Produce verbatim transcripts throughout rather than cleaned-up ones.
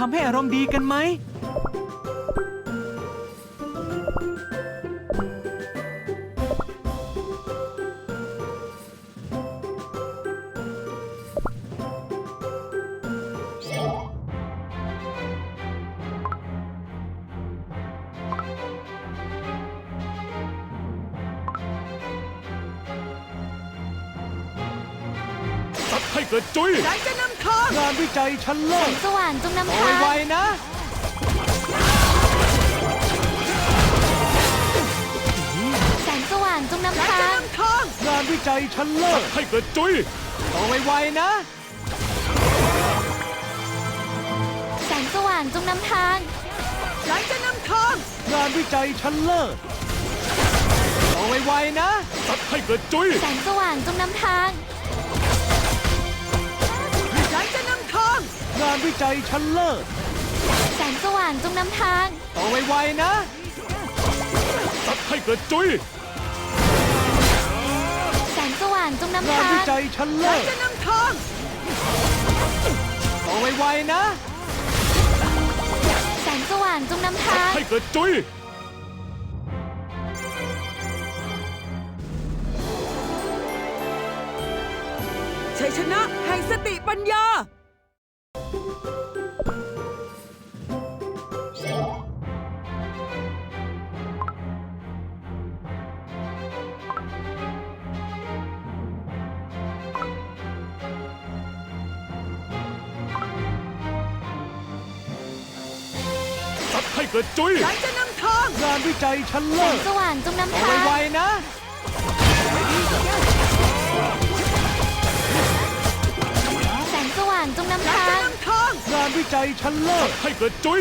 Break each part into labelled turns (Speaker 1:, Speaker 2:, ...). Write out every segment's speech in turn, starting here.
Speaker 1: ำให้อารมณ์ดีกันไหม
Speaker 2: ให้เกิดจุ้ย
Speaker 3: ใจจะนำทาง
Speaker 1: งานวิจัยชั้นเลิ
Speaker 4: แส
Speaker 1: ศ
Speaker 4: งสว่างจงนำ
Speaker 1: เอา
Speaker 4: ทาง
Speaker 1: ไวๆนะ
Speaker 4: แสงสว่างจงนำ
Speaker 3: ใจ
Speaker 4: ทา
Speaker 3: จะ
Speaker 4: ง
Speaker 3: นำทาง
Speaker 1: งานวิจัยชั้นเลิศ
Speaker 2: ให้เกิดจุ้ย
Speaker 1: เอาไวๆนะ
Speaker 4: แสงสว่างจงนำทาง
Speaker 3: ใจจะนำทาง
Speaker 1: งานวิจัยชั้นเลิศเอาไวๆนะ
Speaker 2: สัตว์ให้เกิดจุ้ย
Speaker 4: แสงสว่างจงนำทาง
Speaker 3: ใจจะนำทาง
Speaker 1: งานวิจัยชั้นเลิศ
Speaker 4: แสงสว่างจงนำทาง
Speaker 1: เอาไวๆนะ
Speaker 2: สัตว์ให้เกิดจุ้ย
Speaker 4: แสงสว่างจงนำ
Speaker 1: งาน
Speaker 4: ทา
Speaker 1: วิ
Speaker 4: ง
Speaker 1: จัยชั้น
Speaker 3: ใจ
Speaker 1: เลิศ
Speaker 3: จะนำทาง
Speaker 1: เอาไวๆนะ
Speaker 4: แสงสว่างจงนำทาง
Speaker 2: ให้เกิดจุ้ย
Speaker 3: ชัยชนะแห่งสติปัญญา
Speaker 2: สัตว์ให้เกิดจุ้ย
Speaker 3: ใจจะนำทาง
Speaker 1: งานวิจัยชั้น
Speaker 4: แส
Speaker 1: เลิ
Speaker 4: ง
Speaker 1: ศ
Speaker 4: สว่างจงนำ
Speaker 1: เอา
Speaker 4: ทาง
Speaker 1: ไวๆนะ
Speaker 4: แสงสว่างจงนำ
Speaker 3: ใจ
Speaker 4: ทา
Speaker 3: จะ
Speaker 4: ง
Speaker 3: นำทาง
Speaker 1: งานวิจัยชั้นเลิศ
Speaker 2: ให้เกิดจุ้ย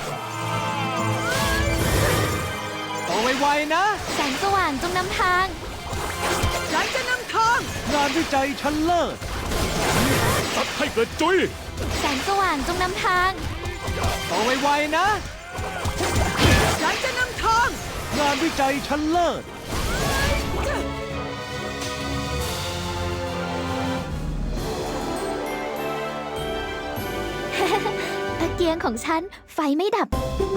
Speaker 1: เอาไวๆนะ
Speaker 4: แสงสว่างจงนำทาง
Speaker 3: ใจจะนำทาง
Speaker 1: งานวิจัยชั้นเลิศ
Speaker 2: สัตว์ให้เกิดจุ้ย
Speaker 4: แสงสว่างจงนำทาง
Speaker 1: เอาไวๆนะ
Speaker 3: ใจจะนำทาง
Speaker 1: งานวิจัยชั้นเลิศ
Speaker 4: ตะเกียงของฉันไฟไม่ดับ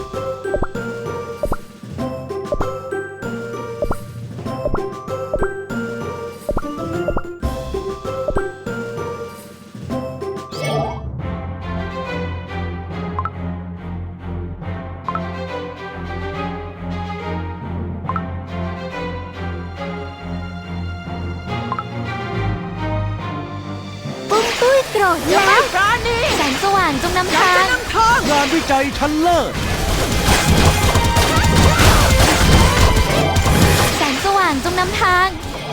Speaker 4: ปุ้มตุ้ยโกรธ
Speaker 3: อย่า
Speaker 4: แล้
Speaker 3: ไม่
Speaker 4: ว
Speaker 3: ปราณี
Speaker 4: แสงสว่างจงนำ
Speaker 3: ใจ
Speaker 4: ทา
Speaker 3: จะ
Speaker 4: ง
Speaker 3: นำทาง
Speaker 1: งานวิจัยชั้นเลิศ
Speaker 4: แสงสว่างจงนำทาง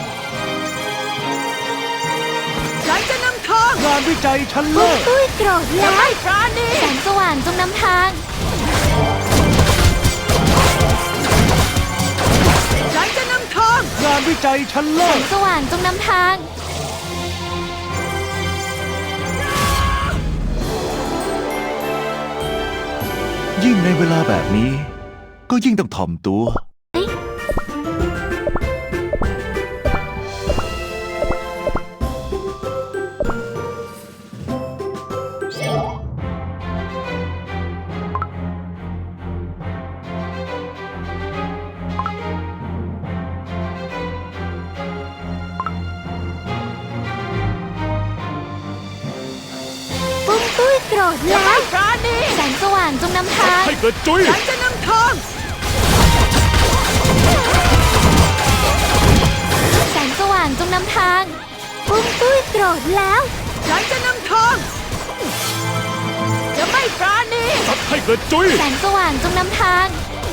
Speaker 3: ใจจะนำทาง
Speaker 1: งานวิจัยชั้น
Speaker 4: ปุ้
Speaker 1: เลิ
Speaker 4: ม
Speaker 1: ศ
Speaker 4: ตุ้ยโกรธ
Speaker 3: อย่า
Speaker 4: แล้ว
Speaker 3: ไม่ปราณี
Speaker 4: แสงสว่างจงนำทาง
Speaker 3: ใจจะนำทาง
Speaker 1: งานวิจัยชั้น
Speaker 4: แส
Speaker 1: เลิ
Speaker 4: ง
Speaker 1: ศ
Speaker 4: สว่างจงนำทาง
Speaker 5: ยิ่งในเวลาแบบนี้ ก็ยิ่งต้องถ่อมตัว
Speaker 4: ปุ้มตุ้ยโกรธ
Speaker 3: อย่า
Speaker 4: แล้
Speaker 3: ไม่
Speaker 4: ว
Speaker 3: ปราณี
Speaker 4: แสงสว่างจงนำทาง
Speaker 2: ให้เกิดจุ้ย
Speaker 3: ใจจะนำทาง
Speaker 4: แสงสว่างจงนำทาง ปุ้มตุ้ยโกรธแล้ว
Speaker 3: ใจจะนำทางอย่าไม่ปราณี
Speaker 2: สัตว์ให้เกิดจุ้ย
Speaker 4: แสงสว่างจงนำทาง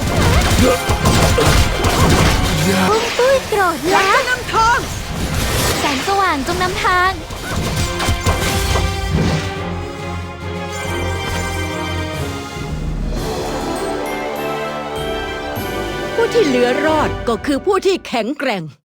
Speaker 4: ปุ้มตุ้ยโกรธ
Speaker 3: ใจ
Speaker 4: แล้ว
Speaker 3: จะนำทาง
Speaker 4: แสงสว่างจงนำทาง
Speaker 3: ผู้ที่เหลือรอดก็คือผู้ที่แข็งแกร่ง